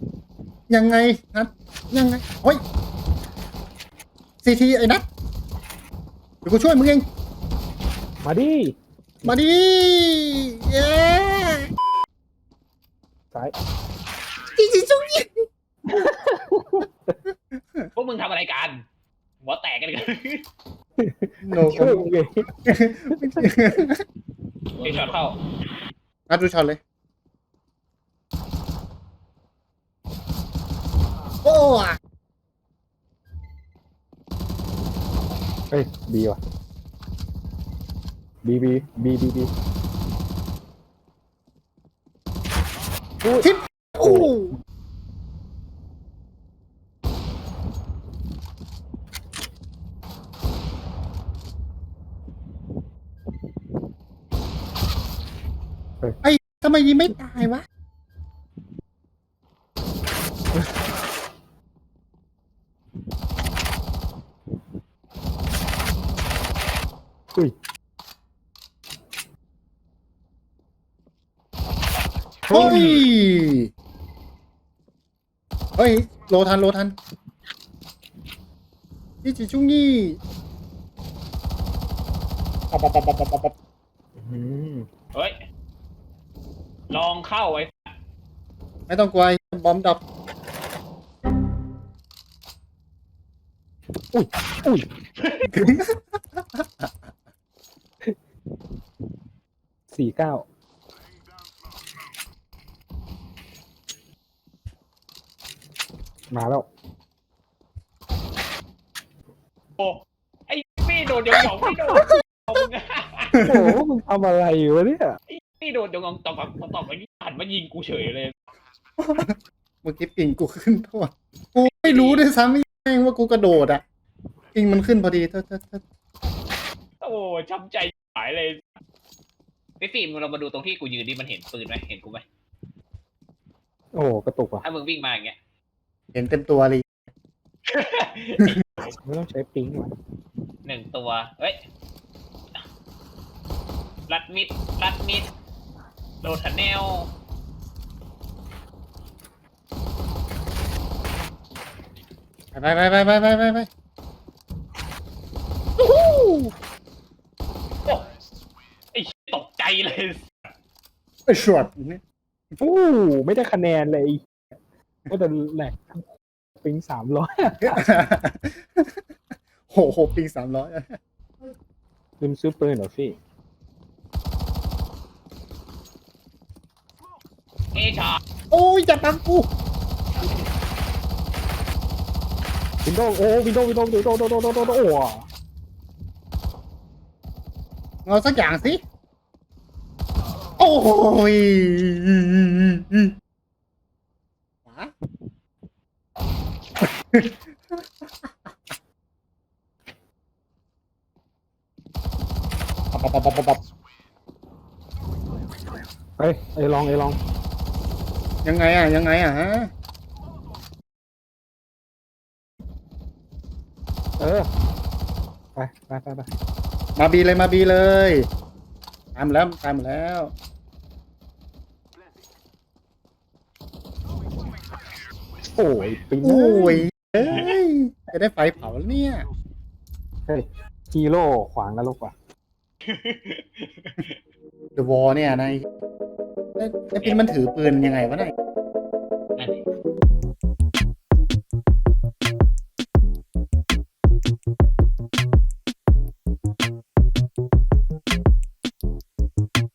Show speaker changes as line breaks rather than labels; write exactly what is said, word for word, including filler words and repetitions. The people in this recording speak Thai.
ยังไงนัดยังไงโอ้ยซีทีไอ้นัดเดี๋ยวกูช่วยมึงเอง
มาดิ
มาดิเย้
สาย
จริงจริงจุ๊งยี่
พวกมึงทำอะไรกันหัวแตกกันเลย
โน
ช่วยมึงไง
ไอช็อตเข้า
นัดดูช็อตเลยโอ้อะ
เฮ้ยบีว่ะบีบีบีบีบีอุ้ย
ทิปโอ้ไอ้ทำไมยิงไม่ตายวะ
อุ้ย
เฮ้ยเฮ้ยโลทันโลทันนี่จิจุงนี่ปอบปอบปอบปอบปอบปอบ
อืม
เฮ้ยลองเข้าไอ้
ไม่ต้องกลัวบอมดับ
อุ้ยอุ้ยสี่เก้ามาแล้ว
โอ้ไอ้พี่โดนยองยองพี่โดนเอามึงอะ
โอ้โหมึงทำอะไรวะเนี่ย
ไอ้พี่โดนยองยองตอบตอบตอบไปนี่หันมายิงกูเฉยเลย
เมื่อกี้ปิงกูขึ้นทั่วกูไม่รู้ด้วยซ้ำไม่แม่งว่ากูกระโดดอ่ะปิงมันขึ้นพอดีเธอเธอเธอ
โอ้ช้ำใจหายเลยไอ้ฟิล์มเรามาดูตรงที่กูยืนดิมันเห็นปืนไหมเห็นกูไหม
โอ้กระตุกว่ะ
ถ้ามึงวิ่งมาอย่างเงี้ย
เห็นเต็มตัวเลย
ไม่ต้องใช้ปิ๊งว่ะ
หนึ่งตัวเฮ้ยรัดมิดรัดมิดโดดทันแนว
ไปไปไปไปไปไปไปโอ้โห
โอ้ไอ้ตกใจเลย
ไอ้ช็อตนี่
โอ้ไม่ได้คะแนนเลยก็แต่แหลกปิ๊งสามร้อย
โหโหปิงสามร้อย
ลืมซื้อปืนเหรอพี่
เอชา
โอ้ยจะตังกู
วินโดว์โอ้วินโดว์วินโดว์วินโดว์วินโดว์วินโดว์วินโดว์โอ้
เอาสักอย่างสิโอ้ยหมาปับปับปับปับปับ
เอ้ยไอ้ลองไอ้ลอง
ยังไงอ่ะยังไงอ่ะฮะ
เออไปไปไปไป
มาบีเลยมาบีเลยตามแล้วตามแล้ว
โอ้ยปิ๊ง
โอ้ยเอ้ยจะได้ไฟเผาแล้วเนี่ย
เฮ้ยฮีโร่ขวางนรกว่ะ
เดอะวอลเนี่ยนายไอ้ปินมันถือปืนยังไงวะนาย